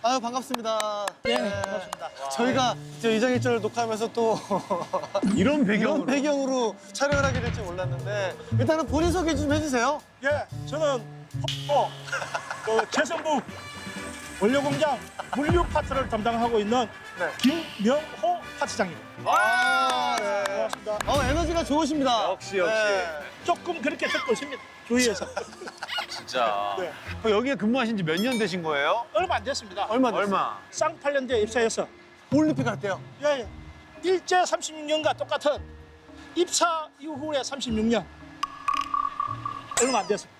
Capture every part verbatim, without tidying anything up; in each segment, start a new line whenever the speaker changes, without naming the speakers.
아유 반갑습니다.
예, 반갑습니다.
저희가 이제 이장일절 녹화하면서 또
이런 배경으로.
이런 배경으로 촬영을 하게 될지 몰랐는데 일단은 본인 소개 좀 해주세요.
예, 저는 어, 그 재성부 원료공장 물류 파트를 담당하고 있는
네.
김명호 파트장입니다.
아, 네.
반갑습니다.
어 에너지가 좋으십니다.
역시, 역시.
조금 그렇게 듣고 있습니다. 주위에서.
진짜.
네.
그 여기에 근무하신 지 몇 년 되신 거예요?
얼마 안 됐습니다.
얼마 됐어요?
얼마?
쌍팔년도에 입사해서
올림픽 할 때요.
예, 예. 일제 삼십육 년과 똑같은 입사 이후에 삼십육 년. 얼마 안 됐습니다.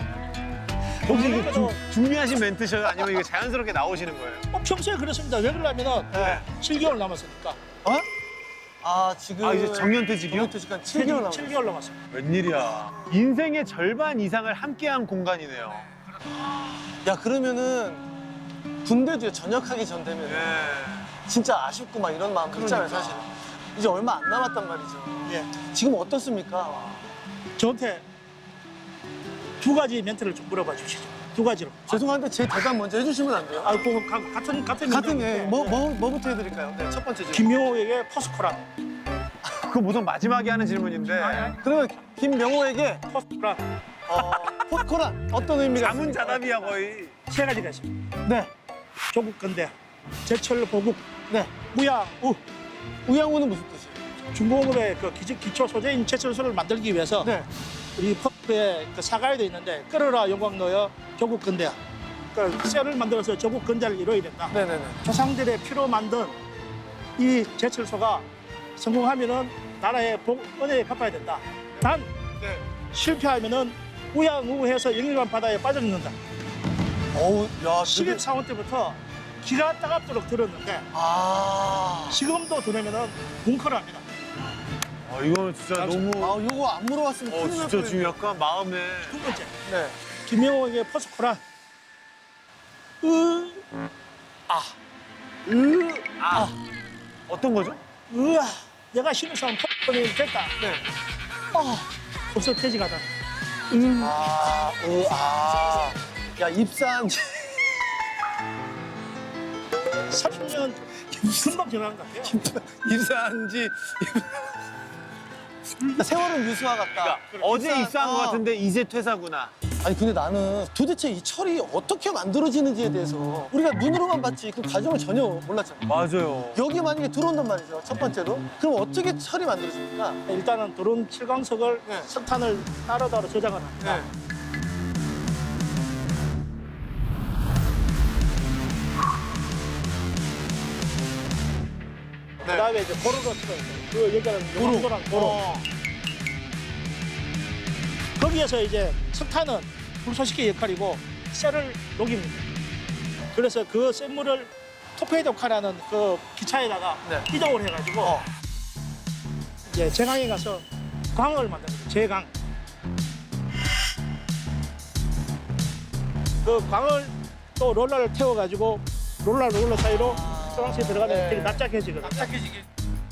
혹시 이게
그래도
주- 준비하신 멘트셔요? 아니면 이게 자연스럽게 나오시는 거예요?
뭐 평소에 그렇습니다. 왜 그러냐면은
네.
칠 개월 남았으니까.
어? 아 지금
아, 이제 정년퇴직이요?
정년퇴직 한 칠 개월 남았어요.
칠 개월 남았습니다.
웬일이야. 인생의 절반 이상을 함께한 공간이네요.
야 그러면은 군대도 전역하기 전 되면
네.
진짜 아쉽고 막 이런 마음 있잖아요
그러니까.
사실은. 이제 얼마 안 남았단 말이죠.
예.
지금 어떻습니까?
저한테 두 가지 멘트를 좀 물어봐 주시죠. 두 가지로.
죄송한데 제 대답 먼저 해주시면 안 돼요?
아, 그 가- 같은 같은
같은
멘트인데.
예, 뭐, 뭐, 뭐부터 해드릴까요? 네, 첫 번째 질문.
김명호에게 포스코란.
그거 보통 마지막에 하는 질문인데.
그러면 김명호에게
포스코란
어, 포스코란 어떤 의미가
자문자답이야 거의.
세 가지가 있습니다.
네,
조국 근대, 제철 보국,
네.
무야우.
우양우는 무슨 뜻이에요?
중공업의 그 기초, 기초 소재인 제철소를 만들기 위해서
네.
우리 퍼프에 그 사과에 돼 있는데 끓어라 영광 넣어 조국 근대. 그러니까 쇠를 만들어서 조국 근대를 이루어야 된다.
네네네.
조상들의 피로 만든 이 제철소가 성공하면은 나라의 복, 은혜에 갚아야 된다. 단
네.
실패하면은 우양우해서 영일관 바다에 빠져 죽는다.
어우, 야, 되게...
신입사원 때부터 기가 따갑도록 들었는데
아.
지금도 들으면은 뭉클을 합니다.
아, 이거는 진짜 너무.
아, 요거 안 물어봤으면
어,
큰일 날
진짜
뻔했네.
지금 약간 마음에.
두 번째,
네.
김명호에게 포스코란 으, 아, 으,
아. 어떤 거죠?
으아, 내가 신입사원 포스코는 됐다.
네.
아, 벌써 퇴직하다.
아, 으, 아. 야, 입사한 지
삼십 년 금방 지나는 것 같아요.
입사한 지 세월은 유수와 같다.
그러니까 어제
입사-
입사한 것
어.
같은데 이제 퇴사구나.
아니 근데 나는 도대체 이 철이 어떻게 만들어지는지에 대해서 우리가 눈으로만 봤지 그 과정을 전혀 몰랐잖아.
맞아요.
여기 만약에 들어온단 말이죠. 첫 번째로. 그럼 어떻게 철이 만들어집니까?
일단은 드론 칠광석을
네.
석탄을 따로 따로 저장을 합니다.
네.
그다음에 이제 고로로 치고 그 여기는 용도랑 고로.
어.
거기에서 이제 석탄은 불소식의 역할이고 쇠를 녹입니다. 그래서 그 쇠물을 토페이도카라는 그 기차에다가
네.
이동을 해가지고
어.
이제 제강에 가서 광을 만듭니다. 제강. 그 광을 또 롤러를 태워가지고 롤러 롤러 사이로 소방서에 들어가면
네.
되게 납작해지거든요.
납작해지게.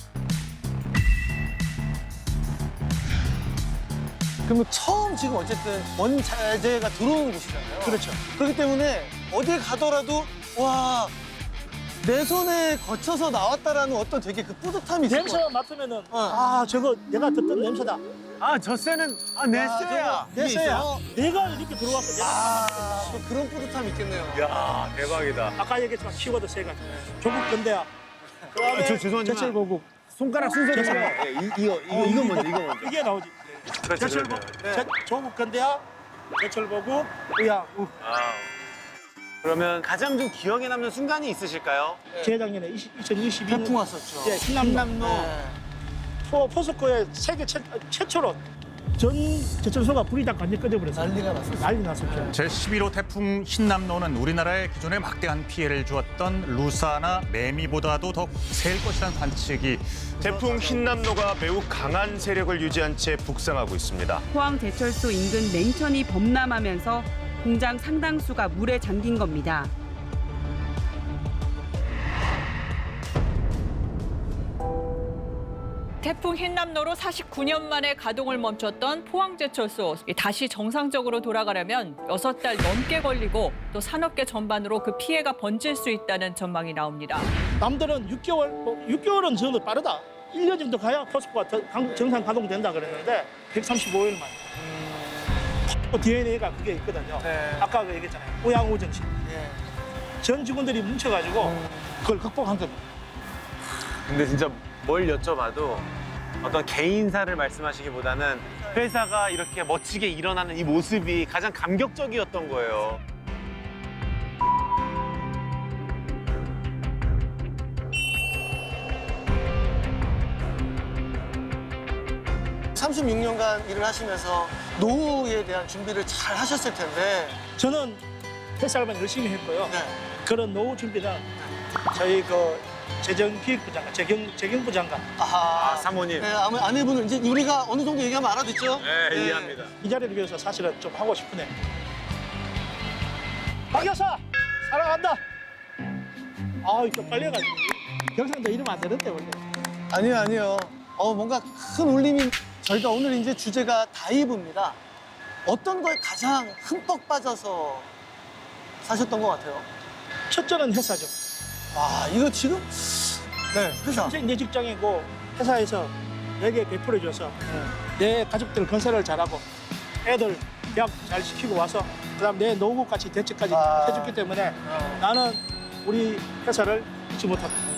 그러면 처음 지금 어쨌든 원자재가 들어오는 곳이잖아요.
그렇죠.
그렇기 때문에 어딜 가더라도 와, 내 손에 거쳐서 나왔다라는 어떤 되게 그 뿌듯함이 있을 것 같아요.
냄새만 맡으면은
어.
아 저거 내가 듣던 냄새다.
아, 저 쇠는, 아, 내
아,
쇠야.
저거 내
내 쇠야.
있어.
내가 이렇게 들어왔고 내가
아, 또 그런 뿌듯함이 있겠네요.
이야, 대박이다.
아까 얘기했지만 키워드 세 가지. 조국 근대야. 그다음에
아, 저 죄송하지만-
제철 보국.
손가락 순서대로.
제철.
예, 이, 이거, 이거, 이거 먼저, 이거 먼저.
이게 나오지.
그렇죠,
제철
그렇죠.
보국.
네.
제- 조국 근대야. 제철 보국. 우야. 우.
아. 그러면 가장 좀 기억에 남는 순간이 있으실까요?
재작년에 이천이십이 년
태풍 왔었죠.
예, 흰남노.
네.
포, 포스코의 세계 최, 최초로 전 제철소가 불이 다 완전 꺼져버렸어요.
난리가 났었어요.
난리 났었죠.
제십일 호 태풍 흰남노는 우리나라에 기존에 막대한 피해를 주었던 루사나 매미보다도 더 세일 것이라는 관측이
태풍 흰남노가 매우 강한 세력을 유지한 채 북상하고 있습니다.
포항제철소 인근 냉천이 범람하면서 공장 상당수가 물에 잠긴 겁니다.
태풍 흰남노로 사십구 년 만에 가동을 멈췄던 포항제철소 다시 정상적으로 돌아가려면 여섯 달 넘게 걸리고 또 산업계 전반으로 그 피해가 번질 수 있다는 전망이 나옵니다.
남들은 육 개월, 뭐 육 개월은 저는 빠르다. 일 년 정도 가야 포스코가 더 강- 정상 가동된다 그랬는데 백삼십오 일 만에. 디엔에이가 그게 있거든요.
네.
아까 그 얘기했잖아요. 우양우정식.
예.
전 직원들이 뭉쳐가지고 그걸 극복한 겁니다.
근데 진짜 뭘 여쭤봐도 어떤 개인사를 말씀하시기보다는 회사가 이렇게 멋지게 일어나는 이 모습이 가장 감격적이었던 거예요.
삼십육 년간 일을 하시면서 노후에 대한 준비를 잘 하셨을 텐데.
저는 회사만 열심히 했고요.
네.
그런 노후 준비는 저희 그 재정기획부 장관, 재경, 재경부 장관
아하.
아, 사모님.
네, 아마 아내분은 이제 우리가 어느 정도 얘기하면 알아듣죠?
네, 이해합니다.
이 자리를 위해서 사실은 좀 하고 싶으네. 박 여사 사랑한다. 아우 좀 빨려가지고 경상도 이러면 안 되는데 원래.
아니요, 아니요. 어, 뭔가 큰 울림이. 저희가 오늘 이제 주제가 다이브입니다. 어떤 걸 가장 흠뻑 빠져서 사셨던 것 같아요?
첫째는 회사죠.
와, 이거 지금. 네, 회사.
평생 내 직장이고 회사에서 내게 베풀어줘서 내 가족들 건설을 잘하고 애들 대학 잘 시키고 와서 그다음 내 노후까지 대책까지
아.
해줬기 때문에 나는 우리 회사를 잊지 못한다.